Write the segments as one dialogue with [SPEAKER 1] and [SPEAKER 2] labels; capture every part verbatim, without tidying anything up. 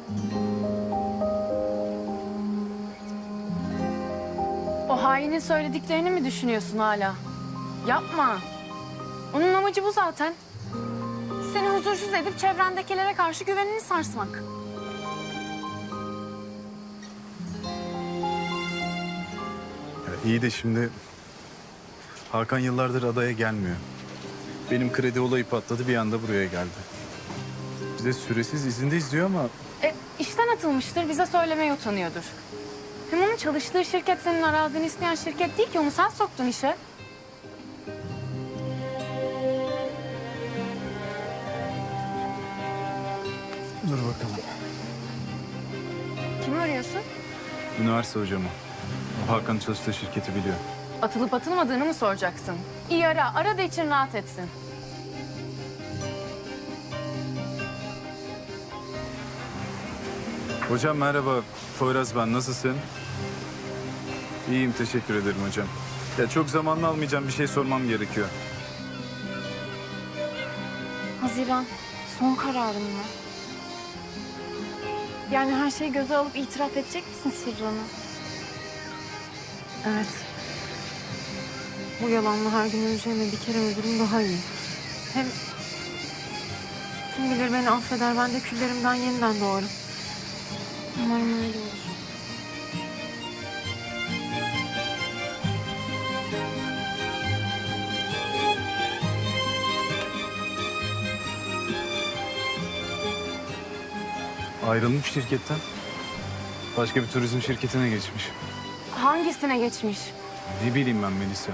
[SPEAKER 1] O hainin söylediklerini mi düşünüyorsun hala? Yapma. Onun amacı bu zaten. Seni huzursuz edip çevrendekilere karşı güvenini sarsmak.
[SPEAKER 2] Ya iyi de şimdi Hakan yıllardır adaya gelmiyor. Benim kredi olayı patladı, bir anda buraya geldi. Bize süresiz izindeyiz diyor ama
[SPEAKER 1] E, işten atılmıştır, bize söylemeye utanıyordur. Hem onun çalıştığı şirket senin arazini isteyen şirket değil ki, onu sen soktun işe.
[SPEAKER 2] dur bakalım.
[SPEAKER 1] Kimi arıyorsun?
[SPEAKER 2] Üniversite hocamı. O Hakan'ın çalıştığı şirketi biliyor.
[SPEAKER 1] Atılıp atılmadığını mı soracaksın? İyi ara, ara da için rahat etsin.
[SPEAKER 2] Hocam merhaba, Poyraz ben. Nasılsın? İyiyim, teşekkür ederim hocam. Ya çok zamanını almayacağım, bir şey sormam gerekiyor.
[SPEAKER 1] Haziran, son kararın mı? Yani her şeyi göze alıp itiraf edecek misin sırrını? Evet. Bu yalanla her gün öleceğime bir kere öldürüm daha iyi. Hem kim bilir beni affeder, ben de küllerimden yeniden doğarım. Umarım öyle olur.
[SPEAKER 2] Ayrılmış şirketten. Başka bir turizm şirketine geçmiş.
[SPEAKER 1] Hangisine geçmiş?
[SPEAKER 2] Ne bileyim ben Melisa.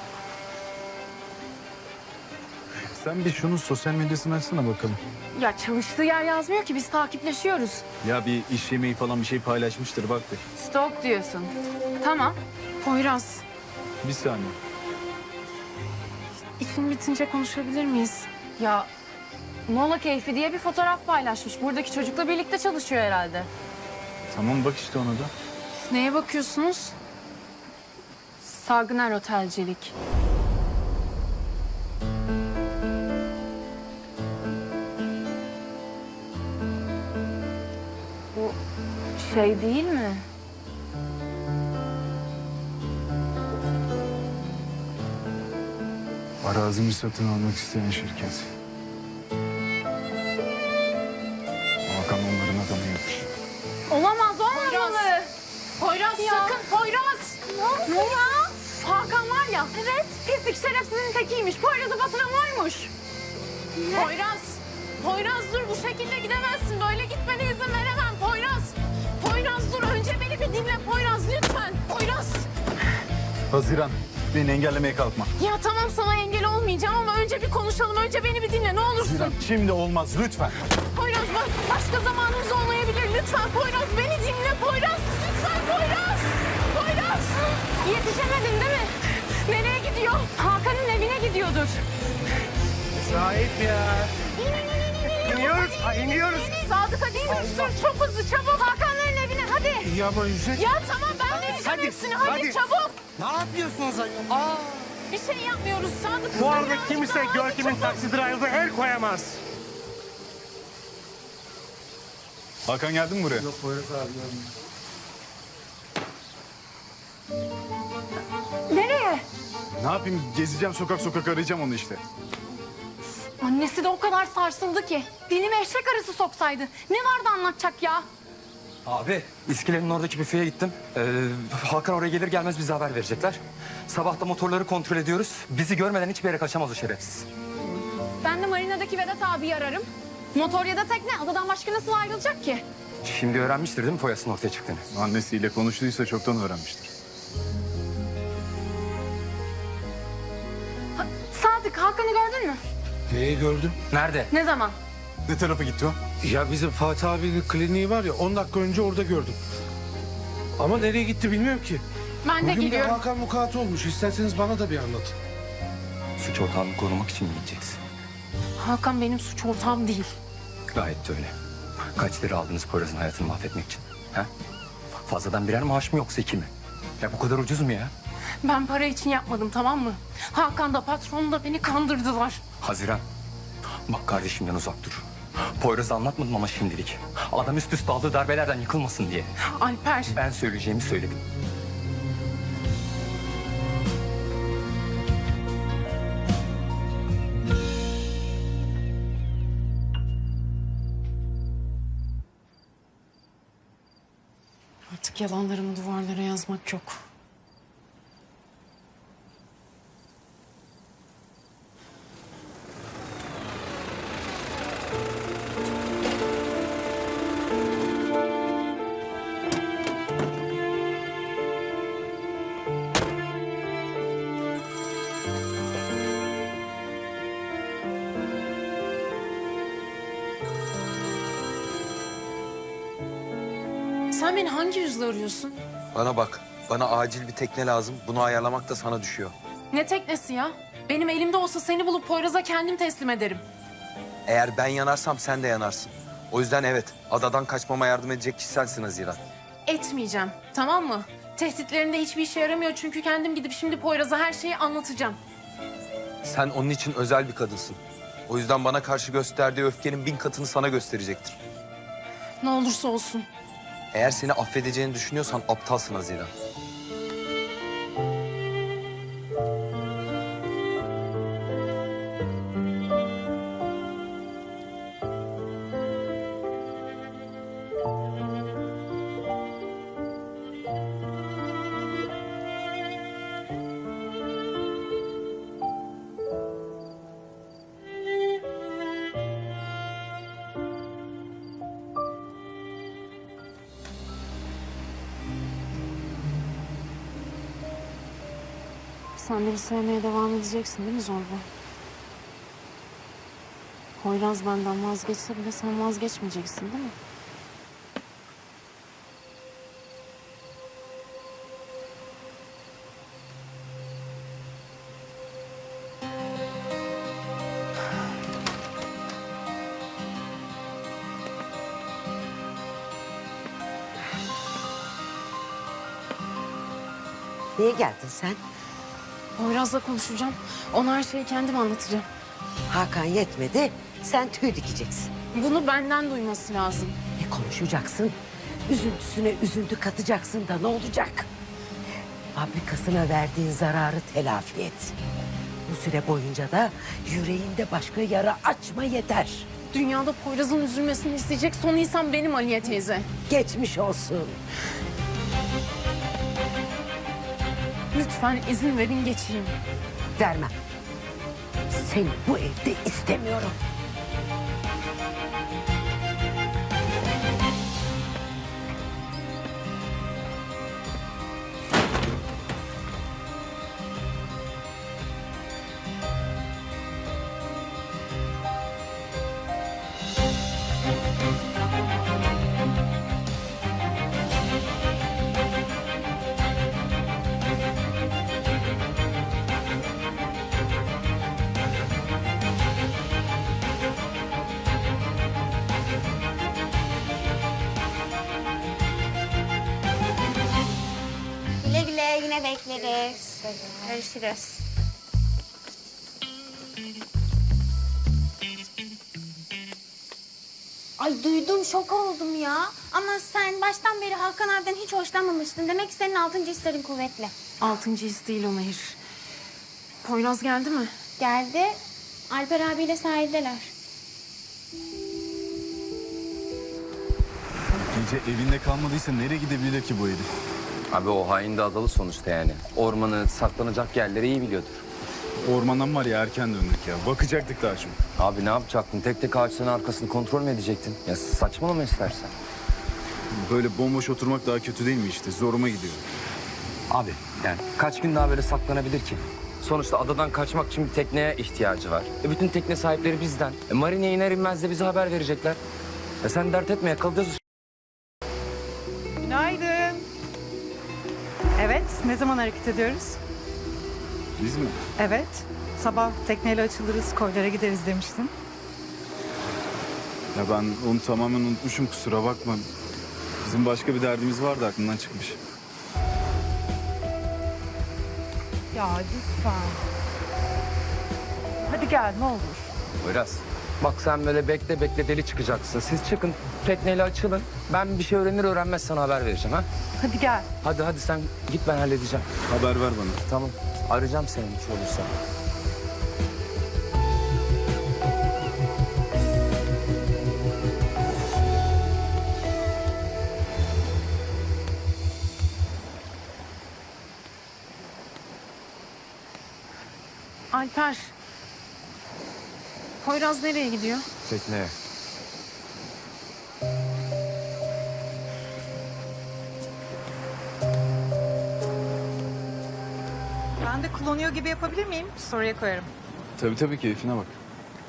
[SPEAKER 2] Sen bir şunun sosyal medyasını açsana bakalım.
[SPEAKER 1] Ya çalıştığı yer yazmıyor ki, biz takipleşiyoruz.
[SPEAKER 2] Ya bir iş yemeği falan bir şey paylaşmıştır, bak bir.
[SPEAKER 1] Stalk diyorsun. Tamam. Poyraz,
[SPEAKER 2] Bir saniye.
[SPEAKER 1] işin bitince konuşabilir miyiz? Ya Mola Keyfi diye bir fotoğraf paylaşmış. Buradaki çocukla birlikte çalışıyor herhalde.
[SPEAKER 2] Tamam bak işte ona da.
[SPEAKER 1] Neye bakıyorsunuz? Sagner Otelcilik. Bu şey değil mi?
[SPEAKER 2] Arazimi satın almak isteyen şirket. Hakan onların adamıymış.
[SPEAKER 1] Olamaz, olmamalı.
[SPEAKER 3] Poyraz
[SPEAKER 1] Ya.
[SPEAKER 3] sakın Poyraz.
[SPEAKER 1] Ne oluyor? Hakan var ya. Evet. Pislik şerefsizin tekiymiş. Poyraz'ı batıran oymuş.
[SPEAKER 3] Poyraz. Poyraz dur, bu şekilde gidemezsin. Böyle gitmene izin veremem Poyraz. Poyraz dur, önce beni bir dinle Poyraz lütfen. Poyraz.
[SPEAKER 2] Haziran, beni engellemeye kalkma.
[SPEAKER 3] Ya tamam, sana engel olmayacağım ama önce bir konuşalım. Önce beni bir dinle ne olursun.
[SPEAKER 2] Haziran, şimdi olmaz lütfen.
[SPEAKER 3] Poyraz bak, başka zamanımız olmayabilir. Lütfen Poyraz, beni dinle Poyraz. Lütfen Poyraz. Poyraz.
[SPEAKER 1] Yetişemedin değil mi?
[SPEAKER 3] Nereye gidiyor?
[SPEAKER 1] Hakan'ın evine gidiyordur.
[SPEAKER 4] Sahip ya. İniyoruz, ha, iniyoruz.
[SPEAKER 3] Sadık hadi sür, çok hızlı çabuk.
[SPEAKER 1] Hakan'ların evine hadi.
[SPEAKER 4] Ya ama yüzek.
[SPEAKER 3] Ya tamam, ben vereceğim
[SPEAKER 4] Hadi,
[SPEAKER 3] hepsini. Hadi,
[SPEAKER 4] hadi.
[SPEAKER 3] çabuk.
[SPEAKER 4] Ne yapıyorsunuz ayol? Aa.
[SPEAKER 3] Bir şey yapmıyoruz Sadık.
[SPEAKER 4] Bu
[SPEAKER 3] Sen
[SPEAKER 4] arada
[SPEAKER 3] birazcık
[SPEAKER 4] kimse
[SPEAKER 3] daha hadi,
[SPEAKER 4] Görkem'in
[SPEAKER 3] çabuk.
[SPEAKER 4] taksi drive'ına el koyamaz.
[SPEAKER 2] Hakan geldin mi buraya?
[SPEAKER 4] Yok Poyraz abi.
[SPEAKER 1] Nereye?
[SPEAKER 2] Ne yapayım? Gezeceğim, sokak sokak arayacağım onu işte.
[SPEAKER 1] Annesi de o kadar sarsıldı ki. Dilime eşek arısı soksaydı. Ne vardı anlatacak ya?
[SPEAKER 5] Abi, İskelenin oradaki büfeye gittim. Ee, Hakan oraya gelir gelmez bize haber verecekler. Sabah da motorları kontrol ediyoruz. Bizi görmeden hiçbir yere kaçamaz o şerefsiz.
[SPEAKER 1] Ben de marinadaki Vedat abiyi ararım. Motor ya da tekne, adadan başka nasıl ayrılacak ki?
[SPEAKER 5] Şimdi öğrenmiştir değil mi Foyas'ın ortaya çıktığını?
[SPEAKER 2] Annesiyle konuştuysa çoktan öğrenmiştir.
[SPEAKER 1] Ha, Sadık, Hakan'ı gördün mü?
[SPEAKER 4] Neyi gördüm?
[SPEAKER 5] Nerede?
[SPEAKER 1] Ne zaman?
[SPEAKER 2] Ne tarafa gitti o?
[SPEAKER 4] Ya bizim Fatih abinin kliniği var ya, on dakika önce orada gördüm. Ama nereye gitti bilmiyorum ki.
[SPEAKER 1] Ben de
[SPEAKER 4] Bugün bir
[SPEAKER 1] geliyorum.
[SPEAKER 4] Hakan vukuatı olmuş. İsterseniz bana da bir anlatın.
[SPEAKER 5] Suç ortağını korumak için mi gideceksin?
[SPEAKER 1] Hakan benim suç ortağım değil.
[SPEAKER 5] Gayet de öyle. Kaç lira aldınız Poyraz'ın hayatını mahvetmek için? Ha? Fazladan birer maaş mı yoksa iki mi? Ya bu kadar ucuz mu ya?
[SPEAKER 1] Ben para için yapmadım, tamam mı? Hakan da patron da beni kandırdılar.
[SPEAKER 5] Haziran, bak kardeşimden uzak dur. Poyraz'a anlatmadım ama şimdilik. Adam üst üste aldığı darbelerden yıkılmasın diye.
[SPEAKER 3] Alper.
[SPEAKER 5] Ben söyleyeceğimi söyledim.
[SPEAKER 1] Artık yalanlarımı duvarlara yazmak yok. Sen beni hangi yüzle arıyorsun?
[SPEAKER 6] Bana bak. Bana acil bir tekne lazım. Bunu ayarlamak da sana düşüyor.
[SPEAKER 1] Ne teknesi ya? Benim elimde olsa seni bulup Poyraz'a kendim teslim ederim.
[SPEAKER 6] Eğer ben yanarsam sen de yanarsın. O yüzden evet, adadan kaçmama yardım edecek kişi sensin Haziran.
[SPEAKER 1] Etmeyeceğim, tamam mı? Tehditlerinde hiçbir işe yaramıyor çünkü kendim gidip şimdi Poyraz'a her şeyi anlatacağım.
[SPEAKER 6] Sen onun için özel bir kadınsın. O yüzden bana karşı gösterdiği öfkenin bin katını sana gösterecektir.
[SPEAKER 1] Ne olursa olsun.
[SPEAKER 6] Eğer seni affedeceğini düşünüyorsan aptalsın Haziran.
[SPEAKER 1] Sen beni sevmeye devam edeceksin değil mi Zorba? Poyraz benden vazgeçse bile sen vazgeçmeyeceksin değil mi?
[SPEAKER 7] Niye geldin sen?
[SPEAKER 1] Poyraz'la konuşacağım. Ona her şeyi kendim anlatacağım.
[SPEAKER 7] Hakan yetmedi, sen tüy dikeceksin.
[SPEAKER 1] Bunu benden duyması lazım.
[SPEAKER 7] Ne konuşacaksın? Üzüntüsüne üzüntü katacaksın da ne olacak? Fabrikasına verdiğin zararı telafi et. Bu süre boyunca da yüreğinde başka yara açma yeter.
[SPEAKER 1] Dünyada Poyraz'ın üzülmesini isteyecek son insan benim Aliye teyze.
[SPEAKER 7] Geçmiş olsun.
[SPEAKER 1] Lütfen izin verin geçeyim.
[SPEAKER 7] Vermem. Seni bu evde istemiyorum.
[SPEAKER 8] Güle güle yine bekleriz. Görüşürüz. Ay duydum şok oldum ya. Ama sen baştan beri Hakan abiden hiç hoşlanmamıştın. Demek ki senin altıncı hislerin kuvvetli.
[SPEAKER 1] Altıncı his değil o Nehir. Poyraz geldi mi?
[SPEAKER 8] Geldi. Alper abiyle sahildeler.
[SPEAKER 2] Gece evinde kalmadıysa nereye gidebilir ki bu herif?
[SPEAKER 5] Abi o hain de adalı sonuçta yani. Ormanı, saklanacak yerleri iyi biliyordur.
[SPEAKER 2] Ormandan var ya erken döndük ya. Bakacaktık daha çok.
[SPEAKER 5] Abi ne yapacaktın? Tek tek ağaçların arkasını kontrol mü edecektin? Ya saçmalama istersen.
[SPEAKER 2] Böyle bomboş oturmak daha kötü değil mi işte? Zoruma gidiyor.
[SPEAKER 5] Abi yani kaç gün daha böyle saklanabilir ki? Sonuçta adadan kaçmak için bir tekneye ihtiyacı var. E bütün tekne sahipleri bizden. E marineye iner inmez de bize haber verecekler. E sen dert etme yakalayacağız.
[SPEAKER 9] Günaydın. Evet, ne zaman hareket ediyoruz?
[SPEAKER 2] Biz mi?
[SPEAKER 9] Evet, sabah tekneyle açılırız, koylara gideriz demiştin.
[SPEAKER 2] Ya ben onu tamamen unutmuşum kusura bakma. Bizim başka bir derdimiz vardı aklımdan çıkmış.
[SPEAKER 9] Ya lütfen. Hadi gel ne olur.
[SPEAKER 5] Poyraz Bak sen böyle bekle bekle deli çıkacaksın. Siz çıkın tekneyle açılın. Ben bir şey öğrenir öğrenmez sana haber vereceğim ha.
[SPEAKER 9] Hadi gel.
[SPEAKER 5] Hadi hadi sen git ben halledeceğim.
[SPEAKER 2] Haber ver bana.
[SPEAKER 5] Tamam. Arayacağım seni bir şey olursa.
[SPEAKER 3] Alper. Poyraz nereye gidiyor?
[SPEAKER 5] Tekneye.
[SPEAKER 9] Ben de kullanıyor gibi yapabilir miyim? Soruya koyarım.
[SPEAKER 2] Tabii tabii, keyfine bak.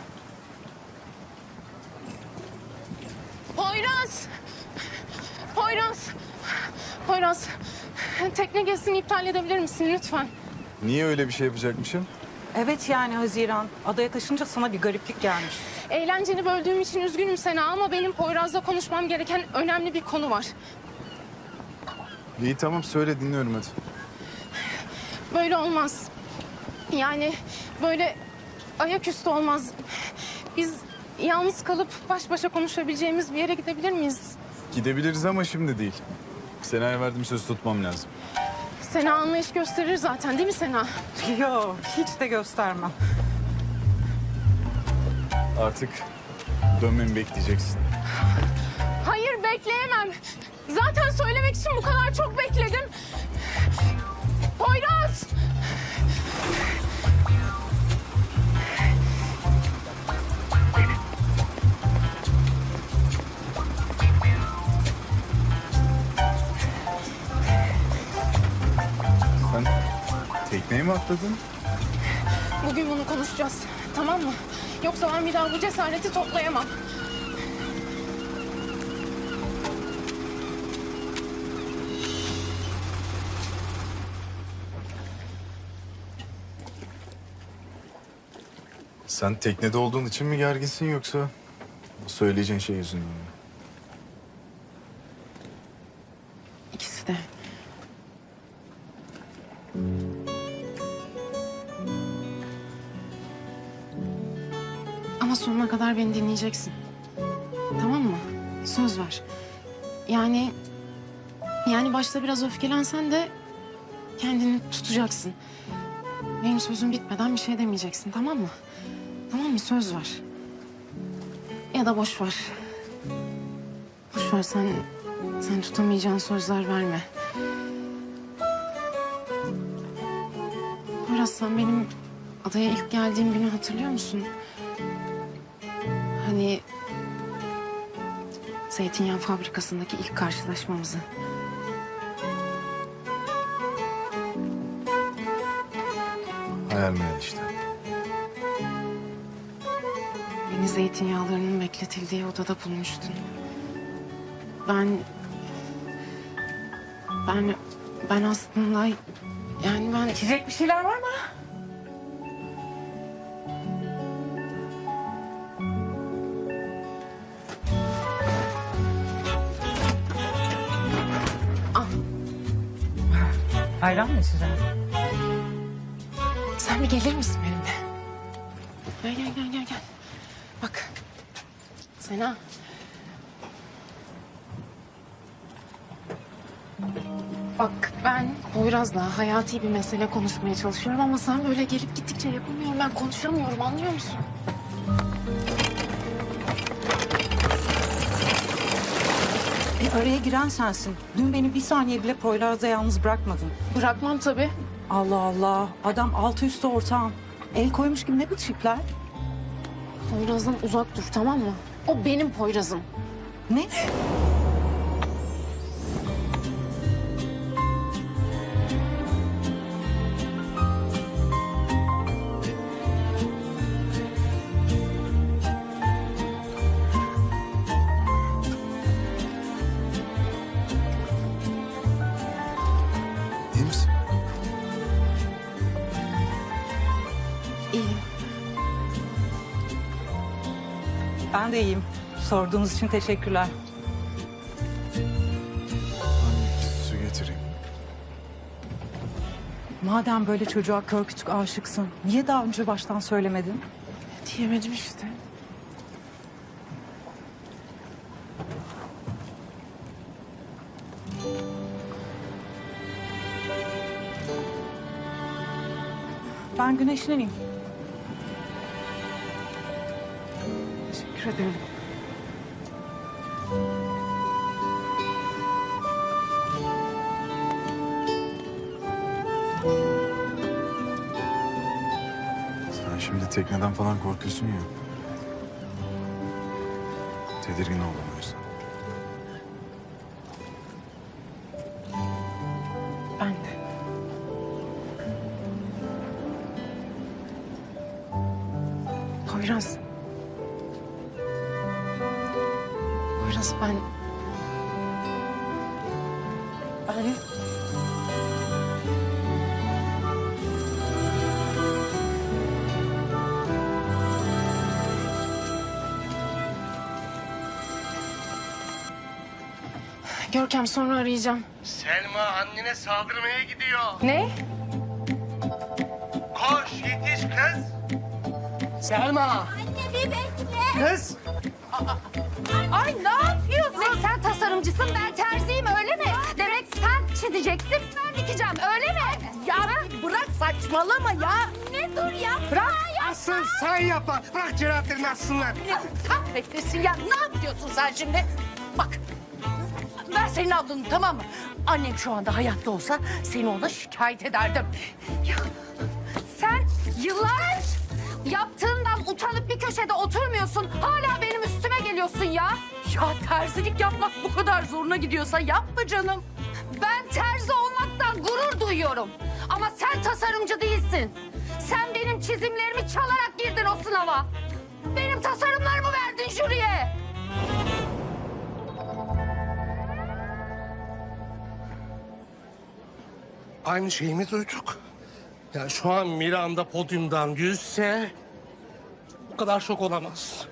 [SPEAKER 3] Poyraz! Poyraz! Poyraz! Tekne gezisini iptal edebilir misin lütfen?
[SPEAKER 2] Niye öyle bir şey yapacakmışım?
[SPEAKER 9] Evet yani Haziran. Adaya taşınca sana bir gariplik gelmiş.
[SPEAKER 3] Eğlenceni böldüğüm için üzgünüm Sena ama benim Poyraz'la konuşmam gereken önemli bir konu var.
[SPEAKER 2] İyi tamam, söyle, dinliyorum hadi.
[SPEAKER 3] Böyle olmaz. Yani böyle ayaküstü olmaz. Biz yalnız kalıp baş başa konuşabileceğimiz bir yere gidebilir miyiz?
[SPEAKER 2] Gidebiliriz ama şimdi değil. Sena'ya verdiğim sözü tutmam lazım.
[SPEAKER 3] Sena anlayış gösterir zaten değil mi Sena?
[SPEAKER 9] Yok hiç de göstermem.
[SPEAKER 2] Artık dönmemi bekleyeceksin.
[SPEAKER 3] Hayır bekleyemem. Zaten söylemek için bu kadar çok bekledim. Poyraz!
[SPEAKER 2] Sen tekneye mi atladın?
[SPEAKER 3] Bugün bunu konuşacağız. Tamam mı? Yoksa ben bir daha bu cesareti toplayamam.
[SPEAKER 2] Sen teknede olduğun için mi gerginsin, yoksa bu söyleyeceğin şey yüzünden mi?
[SPEAKER 3] İkisi de. Ama sonuna kadar beni dinleyeceksin. Tamam mı? Söz ver. Yani... Yani başta biraz öfkelensen de kendini tutacaksın. Benim sözüm bitmeden bir şey demeyeceksin, tamam mı? Tamam mı? Söz ver. Ya da boş ver. Boş ver, sen... Sen tutamayacağın sözler verme. Poyraz, sen benim adaya ilk geldiğim günü hatırlıyor musun? Hani... Zeytinyağı fabrikasındaki ilk karşılaşmamızı.
[SPEAKER 2] Hayal meyal işte.
[SPEAKER 3] Beni zeytinyağlarının bekletildiği odada bulmuştun. Ben... Ben... Ben aslında... Yani ben...
[SPEAKER 9] İçecek bir şeyler var mı?
[SPEAKER 3] Al.
[SPEAKER 9] Ayran mı içeceğim?
[SPEAKER 3] Sen bir gelir misin benimle? Gel gel gel gel gel. Bak. Sena. Bak ben Poyraz'la hayati bir mesele konuşmaya çalışıyorum ama sen böyle gelip gittikçe yapamıyorum. Ben konuşamıyorum, anlıyor musun?
[SPEAKER 9] E, araya giren sensin. Dün beni bir saniye bile Poyraz'da yalnız bırakmadın.
[SPEAKER 3] Bırakmam tabii.
[SPEAKER 9] Allah Allah. Adam altı üstü ortağım. El koymuş gibi ne bu çipler?
[SPEAKER 3] Poyraz'dan uzak dur, tamam mı? O benim Poyraz'ım.
[SPEAKER 9] Ne?
[SPEAKER 2] İyi misin?
[SPEAKER 3] İyiyim.
[SPEAKER 9] Ben de iyiyim. Sorduğunuz için teşekkürler.
[SPEAKER 2] Su getireyim.
[SPEAKER 9] Madem böyle çocuğa kör kütük aşıksın, niye daha önce baştan söylemedin?
[SPEAKER 3] Diyemedim işte.
[SPEAKER 9] Ben güneşleneyim.
[SPEAKER 3] Teşekkür ederim.
[SPEAKER 2] Sen şimdi tekneden falan korkuyorsun ya. Tedirgin oldum o yüzden.
[SPEAKER 3] Ben de. Poyraz. Poyraz ben... Ben... Görkem sonra arayacağım.
[SPEAKER 10] Selma annene saldırmaya gidiyor.
[SPEAKER 1] Ne?
[SPEAKER 10] Koş yetiş kız. Selma.
[SPEAKER 8] Anne bir bekle.
[SPEAKER 10] Kız.
[SPEAKER 8] Ay ne yapıyorsun? Sen tasarımcısın, ben terziyim öyle mi? Demek sen çizeceksin, ben dikeceğim öyle mi? Ya bırak saçmalama ya. Ne dur ya? Bırak.
[SPEAKER 10] Asıl sen yapma. Bırak cerahatlerini assınlar.
[SPEAKER 7] Kahretmesin ya. Ne yapıyorsun sen şimdi? Bak. Ben senin ablanım, tamam mı? Annem şu anda hayatta olsa seni ona şikayet ederdim.
[SPEAKER 8] Ya sen yıllar yaptığından utanıp bir köşede oturmuyorsun. Hala benim üstüme geliyorsun ya.
[SPEAKER 7] Ya terzilik yapmak bu kadar zoruna gidiyorsa yapma canım.
[SPEAKER 8] Ben terzi olmaktan gurur duyuyorum. Ama sen tasarımcı değilsin. Sen benim çizimlerimi çalarak girdin o sınava. Benim tasarımlarımı verdin jüriye.
[SPEAKER 10] Aynı şeyi mi duyduk? Ya şu an Miranda podyumdan yüzse bu kadar şok olamaz.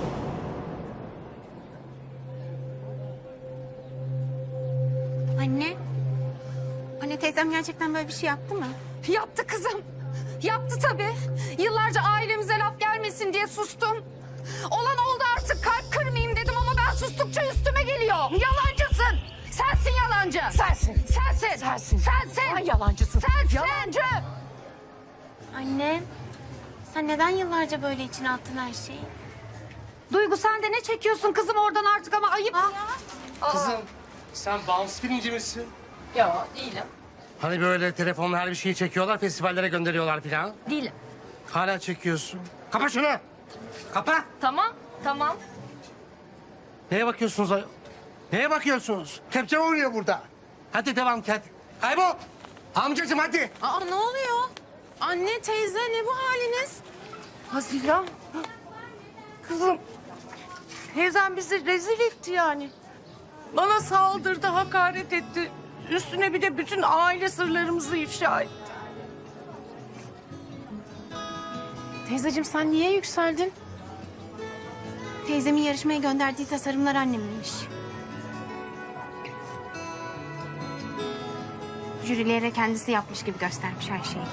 [SPEAKER 8] Anne. Anne teyzem gerçekten böyle bir şey yaptı mı? Yaptı kızım. Yaptı tabii. Yıllarca ailemize laf gelmesin diye sustum. Olan oldu artık kalp kırmayayım dedim ama ben sustukça üstüme geliyor. Yalancısın. Sensin yalancı.
[SPEAKER 7] Sensin.
[SPEAKER 8] Sensin.
[SPEAKER 7] Sensin.
[SPEAKER 8] Sensin.
[SPEAKER 7] Sen yalancısın.
[SPEAKER 8] Sensin.
[SPEAKER 7] Yalancı.
[SPEAKER 8] Anne, sen neden yıllarca böyle içine attın her şeyi? Duygu sen de ne çekiyorsun kızım oradan artık ama ayıp ya.
[SPEAKER 10] Kızım sen Bounce filmci misin?
[SPEAKER 8] Ya değilim.
[SPEAKER 10] Hani böyle telefonla her bir şeyi çekiyorlar, festivallere gönderiyorlar filan.
[SPEAKER 8] Değilim.
[SPEAKER 10] Hala çekiyorsun. Kapa şunu. Kapa.
[SPEAKER 8] Tamam, tamam.
[SPEAKER 10] Neye bakıyorsunuz ayol? Neye bakıyorsunuz? Kepçe oynuyor burada. Hadi devam et. Kaybol. Amcacığım hadi.
[SPEAKER 3] Aa ne oluyor? Anne, teyze ne bu haliniz?
[SPEAKER 7] Haziran. Kızım. Teyzem bizi rezil etti yani. Bana saldırdı, hakaret etti. Üstüne bir de bütün aile sırlarımızı ifşa etti.
[SPEAKER 3] Teyzeciğim sen niye yükseldin?
[SPEAKER 8] Teyzemin yarışmaya gönderdiği tasarımlar anneminmiş. Jürilere kendisi yapmış gibi göstermiş her şeyi.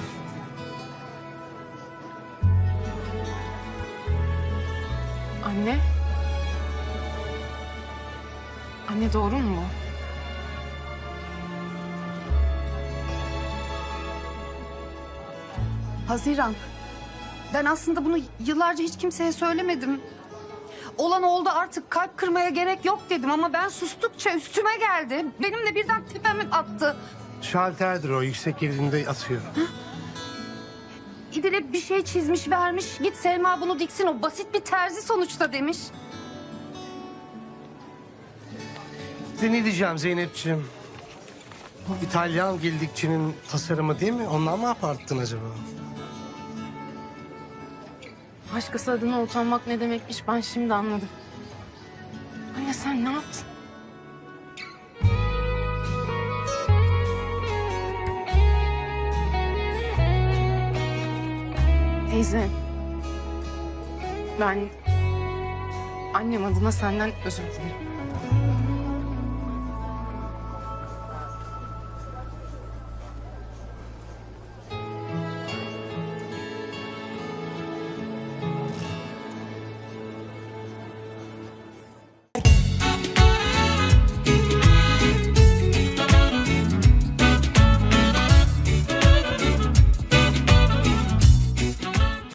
[SPEAKER 3] Anne. Anne doğru mu bu?
[SPEAKER 11] Haziran. Ben aslında bunu yıllarca hiç kimseye söylemedim. Olan oldu artık kalp kırmaya gerek yok dedim ama ben sustukça üstüme geldi. Benim de birden tepeme attı.
[SPEAKER 10] Şalterdir o. Yüksek girdiğinde atıyor.
[SPEAKER 11] İdil'e bir şey çizmiş vermiş. Git Selma bunu diksin o basit bir terzi sonuçta demiş.
[SPEAKER 10] Size ne diyeceğim Zeynep'ciğim? Bu İtalyan gildikçinin tasarımı değil mi? Ondan mı aparttın acaba?
[SPEAKER 3] Başkası adına utanmak ne demekmiş ben şimdi anladım. Anne sen ne yaptın? Teyze. Ben annem adına senden özür dilerim.